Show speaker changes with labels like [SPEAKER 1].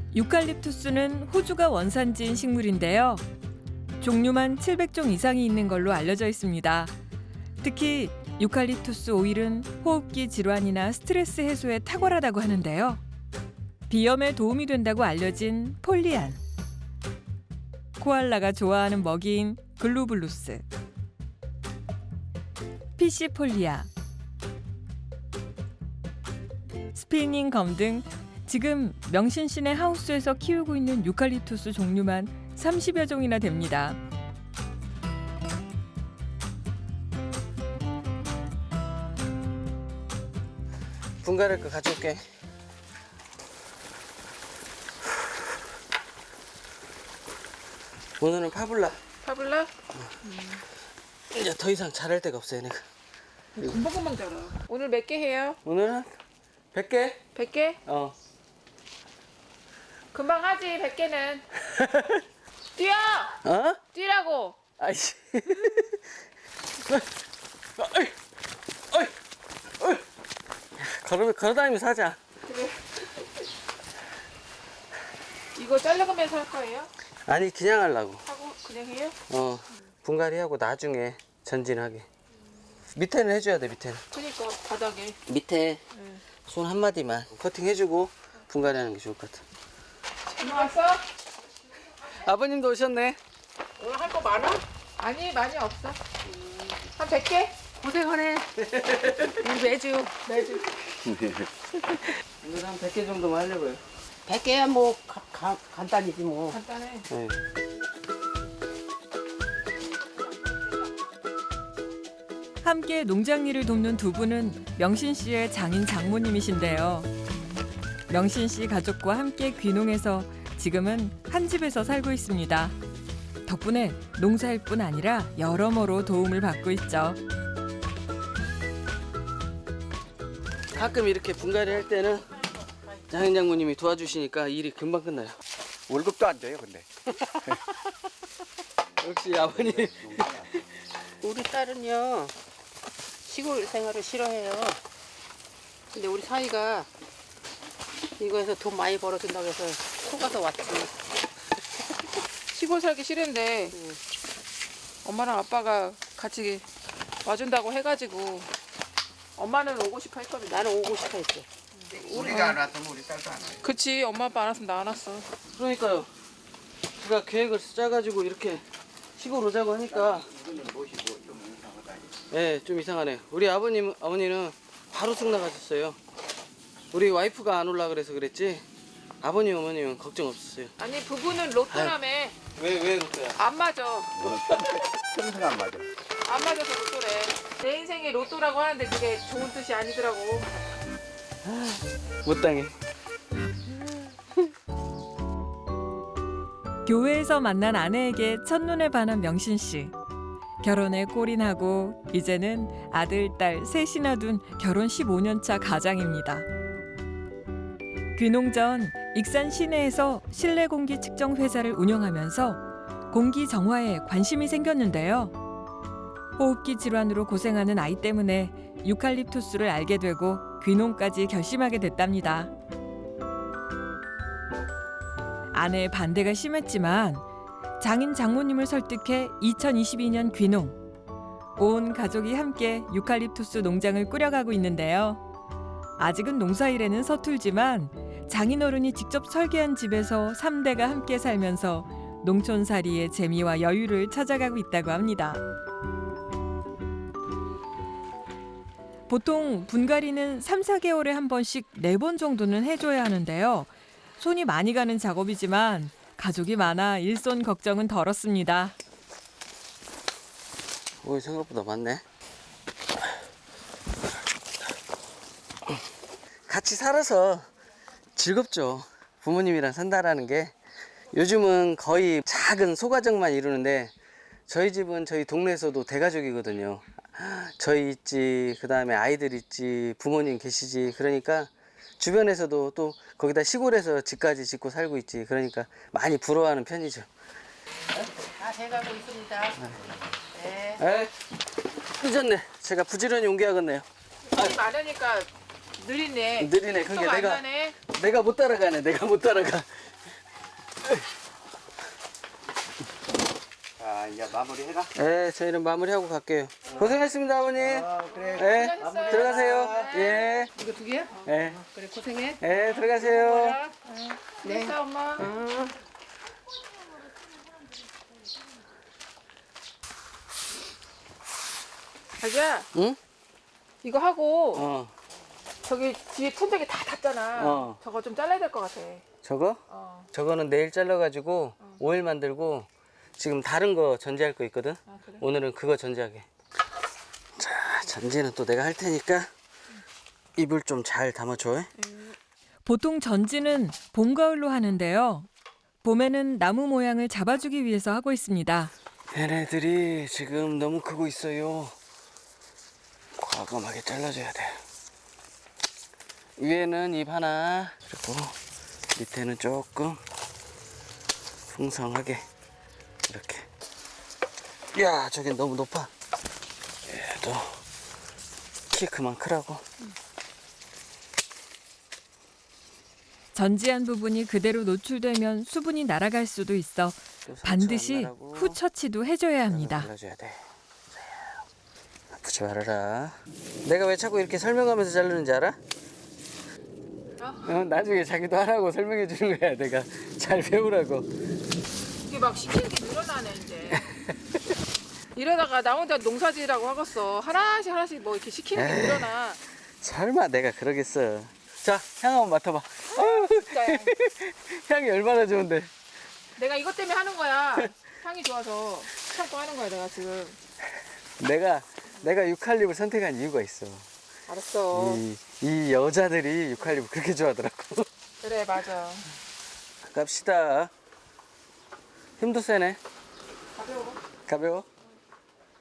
[SPEAKER 1] 유칼립투스는 호주가 원산지인 식물인데요. 종류만 700종 이상이 있는 걸로 알려져 있습니다. 특히 유칼립투스 오일은 호흡기 질환이나 스트레스 해소에 탁월하다고 하는데요. 비염에 도움이 된다고 알려진 폴리안, 코알라가 좋아하는 먹이인 글루블루스, 피시폴리아, 스피닝 검 등 지금 명신시내 하우스에서 키우고 있는 유칼립투스 종류만 30여 종이나 됩니다.
[SPEAKER 2] 분갈이 거 가져올게. 오늘은 파블라.
[SPEAKER 3] 파블라?
[SPEAKER 2] 이제 더 이상 잘할 데가 없어요, 내가.
[SPEAKER 3] 금방금방 자라. 오늘 몇 개 해요?
[SPEAKER 2] 오늘은 100개?
[SPEAKER 3] 100개?
[SPEAKER 2] 어.
[SPEAKER 3] 금방 하지, 100개는. 뛰어!
[SPEAKER 2] 어?
[SPEAKER 3] 뛰라고!
[SPEAKER 2] 아이씨. 어이, 어이, 어이. 걸어다니면서 하자.
[SPEAKER 3] 그래. 이거 잘라가면서 할 거예요?
[SPEAKER 2] 아니, 그냥 하려고.
[SPEAKER 3] 하고 그냥 해요?
[SPEAKER 2] 분갈이 하고 나중에 전진하게. 밑에는 해줘야 돼, 밑에는.
[SPEAKER 3] 그러니까 바닥에.
[SPEAKER 2] 밑에
[SPEAKER 3] 응.
[SPEAKER 2] 손 한마디만 커팅 해주고 분갈이 하는 게 좋을 것 같아.
[SPEAKER 3] 잘 왔어?
[SPEAKER 2] 아버님도 오셨네.
[SPEAKER 3] 오늘 할 거 많아? 아니, 많이 없어. 한 100개? 고생하네. 우리 매주.
[SPEAKER 2] 오늘 한 100개 정도만 하려고요.
[SPEAKER 4] 100개야 뭐 간단이지 뭐.
[SPEAKER 3] 간단해.
[SPEAKER 2] 네.
[SPEAKER 1] 함께 농장 일을 돕는 두 분은 명신 씨의 장인 장모님이신데요. 명신 씨 가족과 함께 귀농해서 지금은 한 집에서 살고 있습니다. 덕분에 농사일 뿐 아니라 여러모로 도움을 받고 있죠.
[SPEAKER 2] 가끔 이렇게 분갈이 할 때는 장인 장모님이 도와주시니까 일이 금방 끝나요.
[SPEAKER 5] 월급도 안 줘요, 근데.
[SPEAKER 2] 역시 아버님.
[SPEAKER 4] 우리 딸은요 시골 생활을 싫어해요. 근데 우리 사이가 이거에서 돈 많이 벌어준다고 해서 속아서 왔지.
[SPEAKER 3] 시골 살기 싫은데 엄마랑 아빠가 같이 와준다고 해가지고 엄마는 오고 싶어 했거든.
[SPEAKER 4] 나는 오고 싶어 했어.
[SPEAKER 5] 우리가 안 왔으면 우리 딸도 안 와요.
[SPEAKER 3] 그치, 엄마 아빠 안 왔으면 나 안 왔어.
[SPEAKER 2] 그러니까요. 제가 계획을 짜가지고 이렇게 시골 오자고 하니까 네, 좀 이상하네요. 우리 어머니는 바로 쑥 나가셨어요. 우리 와이프가 안 올라 그래서 그랬지 아버님 어머님은 걱정 없었어요.
[SPEAKER 3] 아니, 부부는 로또라며.
[SPEAKER 2] 왜 그럴까요?
[SPEAKER 3] 안 맞아.
[SPEAKER 5] 평생 안 맞아.
[SPEAKER 3] 안 맞아서 로또래. 내 인생에 로또라고 하는데 그게 좋은 뜻이 아니더라고.
[SPEAKER 2] 못 당해.
[SPEAKER 1] 교회에서 만난 아내에게 첫눈에 반한 명신 씨. 결혼에 골인하고 이제는 아들, 딸 셋이나 둔 결혼 15년 차 가장입니다. 귀농 전 익산 시내에서 실내 공기 측정 회사를 운영하면서 공기 정화에 관심이 생겼는데요. 호흡기 질환으로 고생하는 아이 때문에 유칼립투스를 알게 되고 귀농까지 결심하게 됐답니다. 아내의 반대가 심했지만 장인 장모님을 설득해 2022년 귀농. 온 가족이 함께 유칼립투스 농장을 꾸려가고 있는데요. 아직은 농사일에는 서툴지만 장인어른이 직접 설계한 집에서 3대가 함께 살면서 농촌살이의 재미와 여유를 찾아가고 있다고 합니다. 보통 분갈이는 3, 4개월에 한 번씩 4번 정도는 해줘야 하는데요. 손이 많이 가는 작업이지만 가족이 많아 일손 걱정은 덜었습니다.
[SPEAKER 2] 오, 생각보다 많네. 같이 살아서 즐겁죠. 부모님이랑 산다라는 게. 요즘은 거의 작은 소가정만 이루는데 저희 집은 저희 동네에서도 대가족이거든요. 저희 있지, 그 다음에 아이들 있지, 부모님 계시지. 그러니까 주변에서도 또 거기다 시골에서 집까지 짓고 살고 있지. 그러니까 많이 부러워하는 편이죠.
[SPEAKER 4] 다 돼가고 있습니다. 네.
[SPEAKER 2] 에? 늦었네. 제가 부지런히 옮겨야겠네요.
[SPEAKER 3] 손이 많으니까 느리네.
[SPEAKER 2] 느리네. 그게
[SPEAKER 3] 속도가 안 나네.
[SPEAKER 2] 내가 못 따라가네. 내가 못 따라가.
[SPEAKER 5] 자, 이제 마무리해라.
[SPEAKER 2] 네, 저희는 마무리하고 갈게요. 고생했습니다, 아버님.
[SPEAKER 5] 그래.
[SPEAKER 2] 네,
[SPEAKER 3] 고생했어요.
[SPEAKER 2] 들어가세요. 예,
[SPEAKER 4] 이거 두 개야?
[SPEAKER 2] 예,
[SPEAKER 4] 그래 고생해.
[SPEAKER 2] 예, 들어가세요.
[SPEAKER 3] 네. 엄마. 자기야,
[SPEAKER 2] 응?
[SPEAKER 3] 이거 하고
[SPEAKER 2] 어,
[SPEAKER 3] 저기 뒤에 천장에 다 탔잖아.
[SPEAKER 2] 어.
[SPEAKER 3] 저거 좀 잘라야 될 것 같아.
[SPEAKER 2] 저거?
[SPEAKER 3] 어.
[SPEAKER 2] 저거는 내일 잘라가지고 오일 만들고 지금 다른 거 전지할 거 있거든.
[SPEAKER 3] 아, 그래?
[SPEAKER 2] 오늘은 그거 전지하게. 자, 전지는 또 내가 할 테니까 이불 좀 잘 담아줘.
[SPEAKER 1] 보통 전지는 봄, 가을로 하는데요. 봄에는 나무 모양을 잡아주기 위해서 하고 있습니다.
[SPEAKER 2] 얘네들이 지금 너무 크고 있어요. 과감하게 잘라줘야 돼. 위에는 잎 하나, 그리고 밑에는 조금 풍성하게 이렇게. 야, 저긴 너무 높아. 얘도 키 그만 크라고.
[SPEAKER 1] 전지한 부분이 그대로 노출되면 수분이 날아갈 수도 있어
[SPEAKER 2] 또 상처
[SPEAKER 1] 반드시
[SPEAKER 2] 안 나라고
[SPEAKER 1] 후 처치도 해줘야 합니다.
[SPEAKER 2] 잘라줘야 돼. 아프지 말아라. 내가 왜 자꾸 이렇게 설명하면서 자르는지 알아? 나중에 자기도 하라고 설명해 주는 거야. 내가 잘 배우라고.
[SPEAKER 3] 이게 막 시키는 게 늘어나네 이제. 이러다가 나 혼자 농사지으라고 하겠어. 하나씩 하나씩 뭐 이렇게 시키는 게
[SPEAKER 2] 에이.
[SPEAKER 3] 늘어나.
[SPEAKER 2] 설마 내가 그러겠어. 자, 향 한번 맡아봐. 아유,
[SPEAKER 3] 진짜
[SPEAKER 2] 향이 얼마나 좋은데.
[SPEAKER 3] 내가 이것 때문에 하는 거야. 향이 좋아서 참고 하는 거야 내가 지금.
[SPEAKER 2] 내가 유칼립을 선택한 이유가 있어.
[SPEAKER 3] 알았어.
[SPEAKER 2] 이 여자들이 유칼립을 그렇게 좋아하더라고.
[SPEAKER 3] 그래 맞아.
[SPEAKER 2] 갑시다. 힘도 세네.
[SPEAKER 3] 가벼워.
[SPEAKER 2] 가벼워.